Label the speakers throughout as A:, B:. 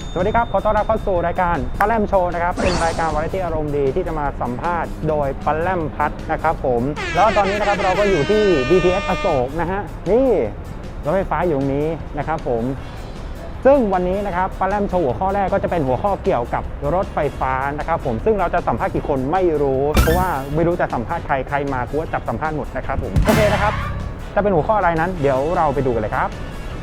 A: สวัสดีครับขอต้อนรับเข้าสู่รายการปลาแรมโชว์นะครับเป็นรายการวาไรตี้อารมณ์ดีที่จะมาสัมภาษณ์โดยปลาแรมพัดนะครับผมแล้วตอนนี้นะครับเราก็อยู่ที่ BTS อโศกนะฮะนี่รถไฟฟ้าอยู่ตรงนี้นะครับผมซึ่งวันนี้นะครับปลาแรมโชว์หัวข้อแรกก็จะเป็นหัวข้อเกี่ยวกับรถไฟฟ้านะครับผมซึ่งเราจะสัมภาษณ์กี่คนไม่รู้เพราะว่าไม่รู้จะสัมภาษณ์ใครมากูว่าจับสัมภาษณ์หมดนะครับผมโอเคนะครับจะเป็นหัวข้ออะไรนั้นเดี๋ยวเราไปดูกันเลยครับ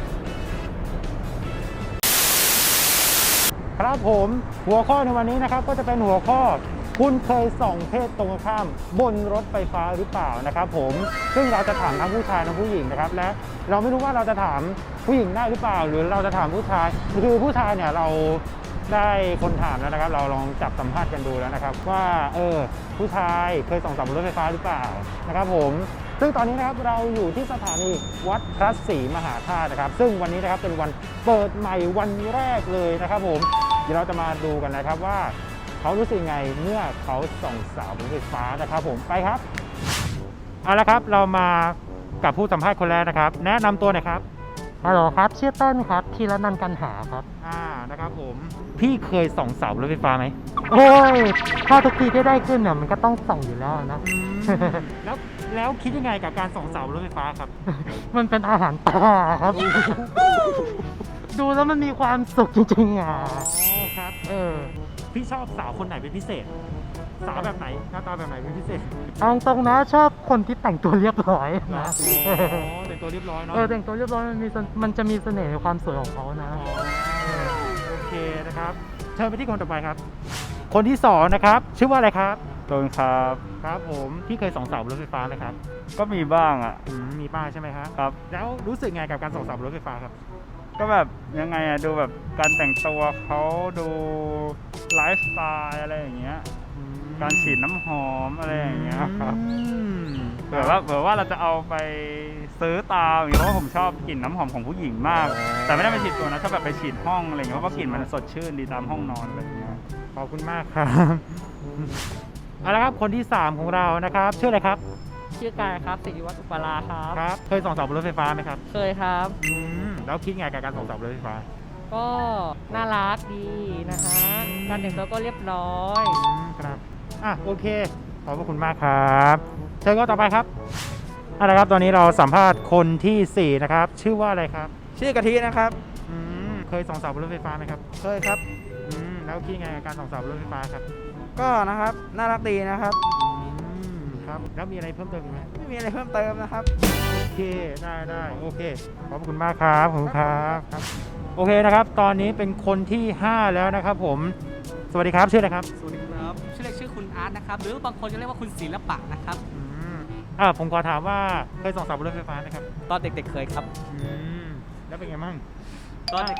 A: ครับผมหัวข้อในวันนี้นะครับก็จะเป็นหัวข้อคุณเคยส่องเพศตรงข้ามบนรถไฟฟ้าหรือเปล่านะครับผมซึ่งเราจะถามทั้งผู้ชายทั้งผู้หญิงนะครับและเราไม่รู้ว่าเราจะถามผู้หญิงได้หรือเปล่าหรือเราจะถามผู้ชายคือผู้ชายเนี่ยเราได้คนถามแล้วนะครับเราลองจับสัมภาษณ์กันดูแล้วนะครับว่าผู้ชายเคยส่องบนรถไฟฟ้าหรือเปล่านะครับผมซึ่งตอนนี้นะครับเราอยู่ที่สถานีวัดพระศรีมหาธาตุนะครับซึ่งวันนี้นะครับเป็นวันเปิดใหม่วันแรกเลยนะครับผมเดี๋ยวเราจะมาดูกันนะครับว่าเขารู้สึกไงเมื่อเขาส่องสาวบนรถไฟฟ้านะครับผมไปครับเอาละครับเรามากับผู้สัมภาษณ์คนแรกนะครับแนะนำตัวหน่อยครับฮัลโหลครับชื่อต้นครับธีรนันท์กันหาครับนะครับผมพี่เคยส่องเสารถไฟฟ้าไหม
B: โอ้ยถ้าทุกทีที่ได้ขึ้นเนี่ยมันก็ต้องส่องอยู่แล้วนะ
A: แล้วคิดยังไงกับการส่องเสารถไฟฟ้าครับ
B: มันเป็นอาหารตาครับ ดูแล้วมันมีความสุขจริงๆอ่ะ
A: ครับพี่ชอบสาวคนไหนเป็นพิเศษสาวแบบไหนหน้าตาแบบไหนเป็นพิเศษ
B: เอาตรงนะชอบคนที่แต่งตัวเรียบร้อยนะ
A: แต่งตัวเรียบร้อยเนาะ
B: แต่งตัวเรียบร้อยมันจะมีเสน่ห์ในความสวยของเขานะ
A: โอเคนะครับเชิญไปที่คนต่อไปครับคนที่สองนะครับชื่อว่าอะไรครับ
C: ต้นครับ
A: ครับผมพี่เคยส่องเสารถไฟฟ้าไหมครับ
C: ก็มีบ้างอ่ะ
A: มีบ้างใช่ไหมครับ
C: ครับ
A: แล้วรู้สึกไงกับการส่องเสารถไฟฟ้าครับ
C: ก็แบบยังไงอ่ะดูแบบการแต่งตัวเขาดูไลฟ์สไตล์อะไรอย่างเงี้ยการฉีดน้ำหอมอะไรอย่างเงี้ยครับเผื่อว่าเราจะเอาไปซื้อตามอย่างเงี้ยเพราะว่าผมชอบกลิ่นน้ำหอมของผู้หญิงมากแต่ไม่ได้ไปฉีดตัวนะชอบแบบไปฉีดห้องอะไรเงี้ยเพราะว่ากลิ่นมันสดชื่นดีตามห้องนอนอะไรอย่างเงี้ย
A: ขอบคุณมากครับเอาละครับคนที่3ของเรานะครับชื่ออะไรครับ
D: ชื่อกายครับศิริวัฒน์อุปรา
A: ครับเคยส่องเสาบนรถไฟฟ้าไหมครับ
D: เคยครับ
A: แล้วคิดไงกับการส่องเสาบนรถไฟฟ้า
D: ก็น่ารักดีนะฮะการแต่งตัวก็เรียบร้อย
A: ครับโอเคขอบคุณมากครับเชิญก็ต่อไปครับเอาละครับตอนนี้เราสัมภาษณ์คนที่4นะครับชื่อว่าอะไรครับ
E: ชื่อกะทินะครับ
A: เคยส่องเสาบนรถไฟฟ้าไหมครับ
E: เคยครับ
A: แล้วคิดไงกับการส่องเสาบนรถไฟฟ้าครับ
E: ก็นะครับน่ารักดีนะครับ
A: ครับแล้วมีอะไรเพิ่มเติมไหม
E: ไม่มีอะไรเพิ่มเติมนะครับ
A: โอเคได้โอเคขอบคุณมากครับขอบคุณครับโอเคนะครับตอนนี้เป็นคนที่5แล้วนะครับผมสวัสดีครับชื่ออะไรครับ
F: สวัสดีครับชื่อคุณอาร์ตนะครับหรือบางคนจะเรียกว่าคุณศิลปะนะครับ
A: ผมขอถามว่าเคยส่องเสาบนรถไฟฟ้าไหมครับ
F: ตอนเด็กๆเคยครับ
A: แล้วเป็นไงมั่ง
F: ตอน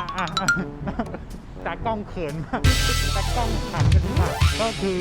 A: จากกล้องเขินมากจากกล้องขันกันทุกอย่างก็คือ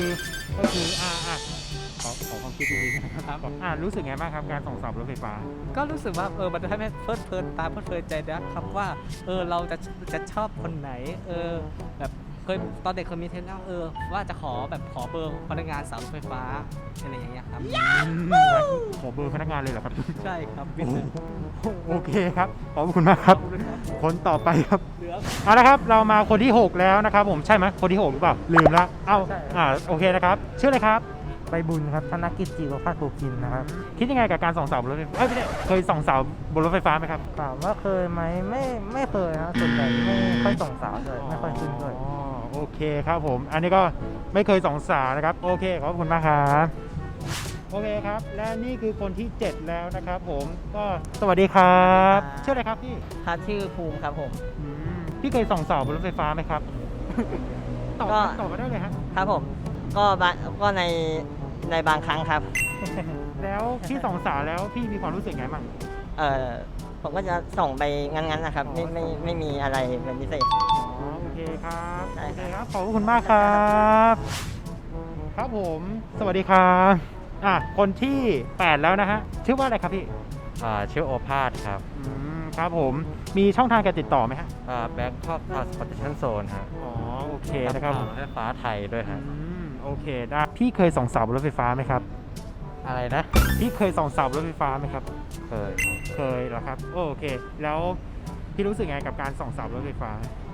A: ขอความคิดดีๆนะครับรู้สึกไงบ้างครับการส่องเสารถไฟฟ้า
F: ก็รู้สึกว่ามันจะให้เพลิดเพลินตาเพลิดเพลินใจนะครับว่าเราจะชอบคนไหนแบบเคยตอนเด็กเคยมีเทรนด์ว่าจะขอเบอร์พนักงานสาวรถไฟฟ้าอะไรอย่างเงี้ยครับ
A: ขอเบอร์พนักงานเลยเหรอครับ
F: ใช่ครับ
A: โอเคครับขอบคุณมากครับคนต่อไปครับเอาละครับเรามาคนที่6แล้วนะครับผมใช่ไหมคนที่6หรือเปล่าลืมละโอเคนะครับชื่ออะไรครับ
B: ใบบุญครับธนกิจจีวภาสโภคินนะครับ
A: คิดยังไงกับการส่องเสาบนรถไฟฟ้าไม่ได้เคยส่องเสาบนรถไฟฟ้าไหมครับ
B: ถามว่าเคยไหมไม่เคยนะส่วนใหญ่ไม่ค่อยส่องสาวเลยไม่ค่อยขึ้นเลย
A: โอเคครับผมอันนี้ก็ไม่เคยส่องสาวนะครับโอเคขอบคุณมากครับโอเคครับและนี่คือคนที่7แล้วนะครับผมก็สวัสดีครับชื่ออะไรครับพี่
D: ชื่อภูมิครับผม
A: พี่เคยส่องเสาบนรถไฟฟ้าไหมครับตอบมาได้เลย
D: ครับผมก็ในบางครั้งครับ
A: แล้วพี่ส่องสาวแล้วพี่มีความรู้สึกไงบ้าง
D: ผมก็จะส่งไปงั้นนะครับไม่มีอะไรเป็นพิเศษ
A: โอเคครับโอเคครับขอบคุณมากครับครับผมสวัสดีครับคนที่8แล้วนะฮะชื่อว่าอะไรครับพี่
G: ชื่อโอภาสครับ
A: ครับผมมีช่องทางการติดต่อไหมฮะ
G: Bangkok Transportation Zone ฮะ
A: โอเคนะครับ
G: รถไฟฟ้าไทยด้วยฮะ
A: โอเคได้พี่เคยส่องเสาบนรถไฟฟ้าไหมครับ
G: อะไรนะ
A: พี่เคยส่องเสาบนรถไฟฟ้าไหมครับ
G: เคย
A: เหรอครับโอเคแล้วพี่รู้สึกไงกับการส่องเสาบนรถไฟฟ้า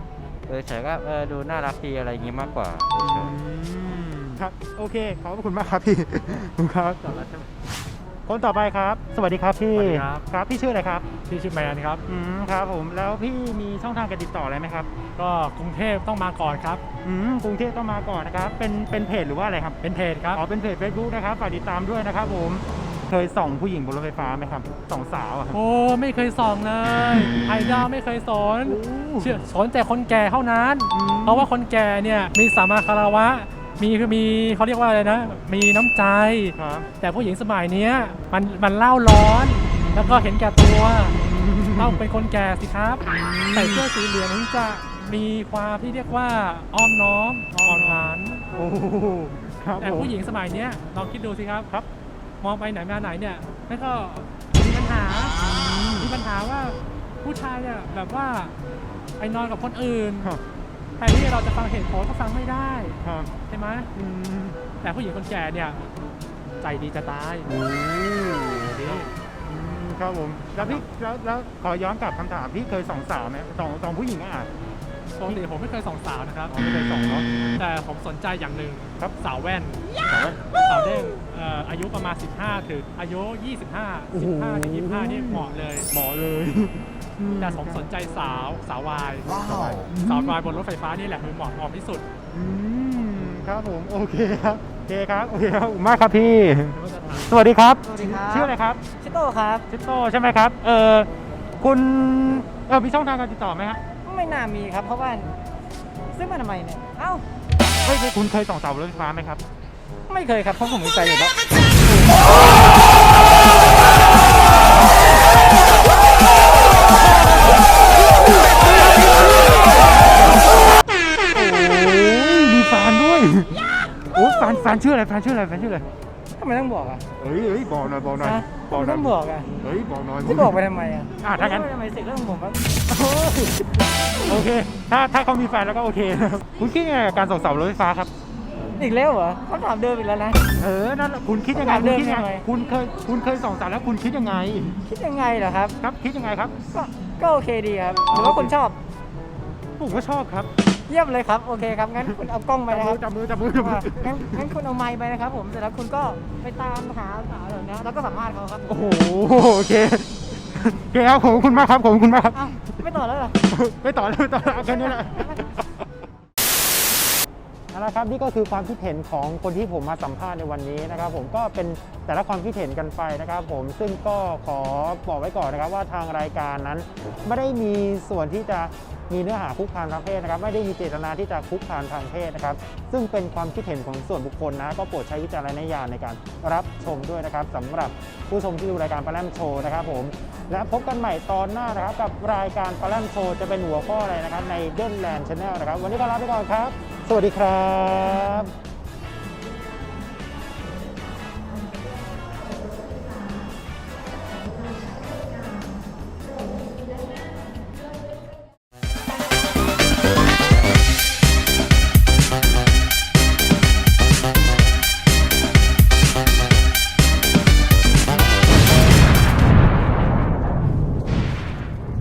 G: เฉยๆก็ดูน่ารักดีอะไรอย่างงี้มากกว่าเฉย
A: ครับ โอเค ขอบคุณมากครับพี่ ขอบคุณครับคนต่อไปครับ สวัสดีครับพี่
H: สวัสดีครับ
A: ครับ พี่ชื่ออะไรครับ
H: ที่ชื่อแมนครับ
A: ครับผม แล้วพี่มีช่องทางการติดต่ออะไรไหมครับ
H: ก็กรุงเทพต้องมาก่อนครับ
A: กรุงเทพต้องมาก่อนนะครับ เป็นเพจหรือว่าอะไรครับ
H: เป็นเพจครับ
A: อ๋อ เป็นเพจ Facebook นะครับ ฝากติดตามด้วยนะครับผม เคยส่องผู้หญิงบนรถไฟฟ้าไหมครับ ส่องสาวอะครับ
H: โอ้ไม่เคยส่องเลย ไอดอลไม่เคยสนเชื่อสนแต่คนแก่เท่านั้น เพราะว่าคนแก่เนี่ยมีสัมมาคารวะมีเขาเรียกว่าอะไรนะ มีน้ำใจ
A: ครับ
H: แต่ผู้หญิงสมัยเนี้ยมันเล่าร้อน แล้วก็เห็นแก่ตัวต้องเป็นคนแก่สิครับใส่เสื้อสีเหลืองถึงจะมีความที่เรียกว่าอ้อมน้อมอ่อนหวาน
A: โอ้ครับ
H: แต่
A: ผม
H: ผู้หญิงสมัยเนี้ยลองคิดดูสิครับ มองไปไหนมาไหนเนี่ยแล้วก็มีปัญหาว่าผู้ชายเนี่ยแบบว่าไปนอนกับคนอื่น
A: ครับ
H: แทนที่เราจะฟังเหตุผลก็ฟังไม่ได้
A: ครับ
H: ใช่ไหมแต่ผู้หญิงคนแก่เนี่ยใจดีจะตาย ดี
A: ครับผม แล้วพี่แล้วขอย้อนกลับคำถาม พี่เคยส่องสาวไหมส่องผู้หญิงอ่ะ
H: ปกติผมไม่เคยส่องสาวนะครับ
A: อ๋อไม่เคยส่องเนาะ
H: แต่ผมสนใจอย่างหนึ่ง
A: ครับ
H: สาวแว่น
A: สาวแว่น
H: สาวเด้งอายุประมาณ 15 ถึงอายุ 25 15ถึง25นี่เหมาะเลย
A: หมอเลย
H: แต่ผมสนใจสาววายสาววายบนรถไฟฟ้านี่แหละคือเหมาะที่สุด
A: ครับผม โอเคครับ โอเคครับ โอเคครับขอบคุณมากครับพี่ สวัสดีครับ
D: สวัสดีครับ
A: ชื่ออะไรครับ
D: ชิโต้ครับ
A: ชิโต้ใช่ไหมครับ คุณมีช่องทางการติดต่อไหมฮะ
D: ไม่น่ามีครับ เพราะว่าซื้อมาทำไมเนี่ย เอ้า
A: คุณเคยส่องสาวบนรถไฟฟ้าไหมครับ
D: ไม่เคยครับ เพราะผมมีใจอยู่แล้ว
A: มีแฟนด้วย โอ้แฟนชื่ออะไร แฟนชื่ออะไร แฟนชื่ออะไร
D: ทำไมต้องบอกอ่ะ
A: เฮ้ยบอกหน่อย บอกหน่อย
D: ฮะ
A: บอกหน่
D: ต้
A: อย
D: องบอกอ่ะ
A: เฮ้ย บอกหน่อย
D: จะบอกไปทำไมอ่ะ
A: ถ้างั้น
D: ทำไมเสกเรื่องของผมครับ
A: โอเค ถ้าเขามีแฟนแล้วก็โอเคนะครับคุณคิดยังไงกับการส่องสาวบนรถไฟฟ้าครับ
D: อีกแล้วเหรอคำถามเดิมอีกแล้วนะ
A: นั่นแหละคุณคิดยังไง
D: ถาม
A: คุ
D: เดิ
A: ณ
D: ม
A: คิดยัง
D: ยัง
A: ไง
D: ไง
A: คุณเคยส่องสาวแล้วคุณคิดยังไง
D: คิดยังไงเหรอครับ
A: ครับ คิดยังไงครับ
D: ก็โอเคดีครับหรือว่าคุณชอบ
A: ผมก็ชอบครับ
D: เยี่ยมเลยครับ โอเคครับ งั้นคุณเอากล้องไปนะครับ
A: จับมือ
D: งั้นคุณเอาไมค์ไปนะครับผม เสร็จแล้วคุณก็ไปตามหาสาวเหล่านี้แล้วก็สัมภาษณ์เขาครับ
A: โอ้โห โอเคโอเคครับขอบคุณมากครับขอบคุณมากครับ
D: อ้าวไม่ต่อแล้วเหรอ
A: ไม่ต่อแล้วแค่นี้แหละเอาละครับนี่ก็คือความคิดเห็นของคนที่ผมมาสัมภาษณ์ในวันนี้นะครับผมก็เป็นแต่ละความคิดเห็นกันไปนะครับผมซึ่งก็ขอบอกไว้ก่อนนะครับว่าทางรายการนั้นไม่ได้มีส่วนที่จะมีเนื้อหาคุกคามทางเพศนะครับไม่ได้มีเจตนาที่จะคุกคามทางเพศนะครับซึ่งเป็นความคิดเห็นของส่วนบุคคลนะก็โปรดใช้วิจารณญาณในการรับชมด้วยนะครับสำหรับผู้ชมที่ดูรายการปลาแรมโชว์นะครับผมและพบกันใหม่ตอนหน้านะครับกับรายการปลาแรมโชว์จะเป็นหัวข้ออะไรนะครับในเดนแลนด์ชาแนลนะครับวันนี้ก็ลาไปก่อนครับสวัสดีครับ